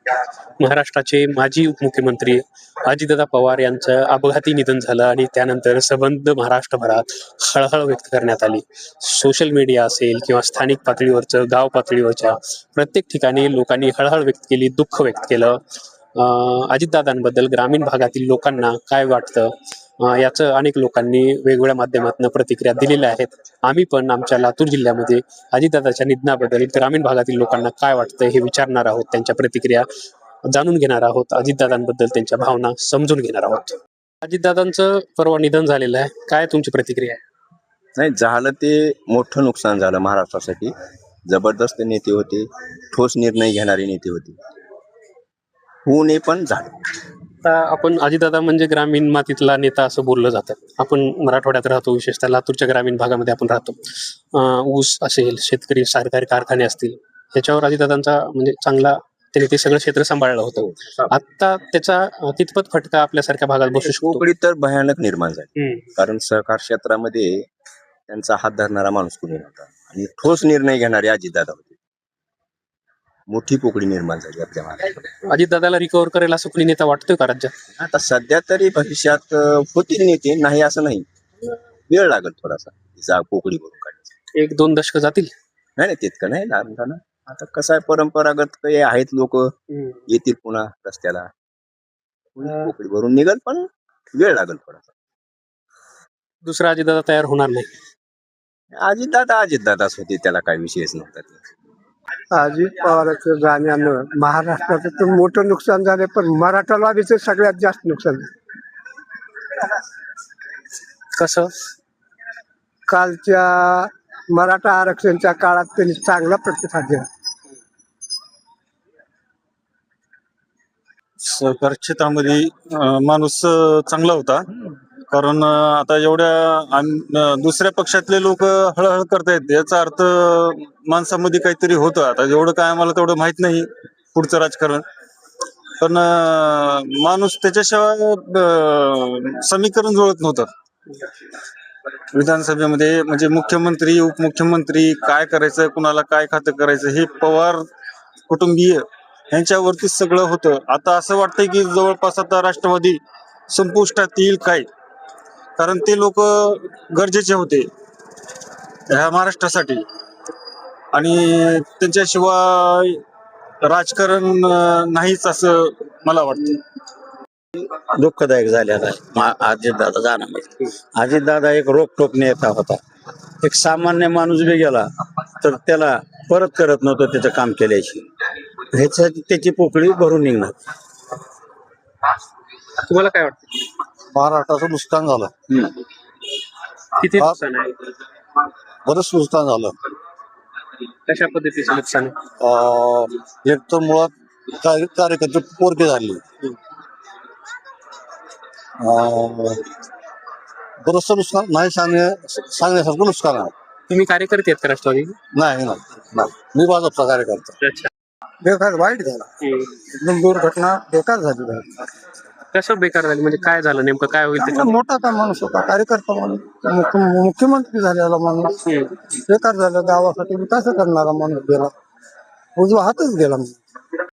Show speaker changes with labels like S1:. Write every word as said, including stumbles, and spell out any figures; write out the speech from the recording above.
S1: महाराष्ट्राचे माजी उपमुख्यमंत्री अजितदादा पवार यांचं अपघाती निधन झालं आणि त्यानंतर संबंध महाराष्ट्रभरात हळहळ व्यक्त करण्यात आली. सोशल मीडिया असेल किंवा स्थानिक पातळीवरचं, गाव पातळीवरच्या प्रत्येक ठिकाणी लोकांनी हळहळ व्यक्त केली, दुःख व्यक्त केलं. अं, अजितदादांबद्दल ग्रामीण भागातील लोकांना काय वाटतं अं, याचं अनेक लोकांनी वेगवेगळ्या माध्यमातून प्रतिक्रिया दिलेल्या आहेत. आम्ही पण आमच्या लातूर जिल्ह्यामध्ये अजितदादाच्या निधनाबद्दल ग्रामीण भागातील लोकांना काय वाटतं हे विचारणार आहोत, त्यांच्या प्रतिक्रिया जाणून घेणार आहोत, अजितदादांबद्दल त्यांच्या भावना समजून घेणार आहोत. अजितदादांचं परवा निधन झालेलं आहे, काय तुमची प्रतिक्रिया आहे?
S2: नाही, झालं ते मोठं नुकसान झालं महाराष्ट्रासाठी. जबरदस्त नेते होते, ठोस निर्णय घेणारे नेते होते. होऊ नये पण झालं.
S1: आता आपण अजितदादा म्हणजे ग्रामीण मातीतला नेता असं बोललं जातं. आपण मराठवाड्यात राहतो, विशेषतः लातूरच्या ग्रामीण भागामध्ये आपण राहतो. अं, ऊस असेल, शेतकरी सहकारी कारखाने असतील, ह्याच्यावर अजितदादांचा म्हणजे चांगला त्यांनी ते सगळं क्षेत्र सांभाळलं होतं. आता त्याचा अं, कितपत फटका आपल्यासारख्या भागात बसू शकतो?
S2: कोकणी तर भयानक निर्माण झाली,
S1: हम्म.
S2: कारण सहकार क्षेत्रामध्ये त्यांचा हात धरणारा माणूस कोणी नव्हता आणि ठोस निर्णय घेणारे अजितदादा होते. मोठी पोकळी निर्माण झाली आपल्या महाराष्ट्रात.
S1: अजितदादाला रिकव्हर करेल असं कुणी नेता वाटतोय का राज्यात?
S2: आता सध्या तरी भविष्यात अं, होतील नेते, नाही असं नाही. वेळ लागेल थोडासा तिचा पोकळी भरून काढण्यासाठी.
S1: एक दोन दशक जातील.
S2: नाही नाही तितकं नाही लागणार ना. आता कसं आहे, परंपरागत काही आहेत लोक येतील पुन्हा रस्त्याला, पोकळी भरून निघल, पण वेळ लागेल थोडासा.
S1: दुसरा अजितदादा तयार होणार नाही.
S2: अजितदादा अजितदादाच होते, त्याला काही विषयच नव्हता.
S3: अजित पवारांचं जाण्यानं महाराष्ट्राचं तर मोठं नुकसान झालं, पण मराठवाड्याचं सगळ्यात जास्त नुकसान झालं.
S1: कसं?
S3: कालच्या मराठा आरक्षणच्या काळात त्यांनी चांगला प्रतिसाद दिला.
S4: सहकार क्षेत्रामध्ये अं, माणूस अं, चांगला होता, कारण अं, आता एवढ्या आम- अं, दुसऱ्या पक्षातले लोक हळहळ करतायत, याचा अर्थ अं, माणसामध्ये काहीतरी होतं. आता एवढं काय आम्हाला तेवढं माहित नाही पुढचं राजकारण, पण अं, माणूस त्याच्याशिवाय अं, समीकरण जुळत नव्हतं विधानसभेमध्ये. म्हणजे मुख्यमंत्री, उपमुख्यमंत्री काय करायचं, कुणाला काय खातं करायचं, हे पवार कुटुंबीय यांच्यावरती सगळं होतं. आता असं वाटतंय की जवळपास आता राष्ट्रवादी संपुष्टात येईल काय, कारण ते लोक गरजेचे होते ह्या महाराष्ट्रासाठी, आणि त्यांच्याशिवाय राजकारण अं, नाहीच असं मला वाटतं.
S5: दुःखदायक झालेला आहे अजितदादा जाण्यामध्ये. अजितदादा एक रोखटोक नेता होता. एक सामान्य माणूस बी गेला तर त्याला परत करत नव्हतं त्याचं काम केल्याची. ह्याच्यासाठी त्याची पोकळी भरून निघणार.
S1: तुम्हाला काय वाटतं?
S6: महाराष्ट्राचं नुकसान झालं,
S1: किती नुकसान आहे?
S6: बरंच नुकसान झालं.
S1: कशा पद्धतीचं नुकसान आहे?
S6: अं, एक तर मुळात कार्य- कार्यकर्ते पोरके झाले. अं, बरंचसं नुकसान नाही सांगण्या सांगण्यासारखं नुकसान आहे.
S1: तुम्ही कार्यकर्ते आहेत का राष्ट्रवादी?
S6: नाही नाही नाही. मी भाजपचा कार्यकर्ता.
S1: अच्छा.
S3: बेकार वाईट झाला, एकदम दुर्घटना बेकार झाली.
S1: कसं बेकार झाली म्हणजे काय झालं नेमकं, काय होईल
S3: चांगला
S1: त्याच्यात?
S3: मोठा का माणूस होता, कार्यकर्ता माणूस, मुख्य- मुख्यमंत्री झालेला माणूस बेकार झालं. गावासाठी विकास करणारा माणूस गेला, उजवा हातच गेला.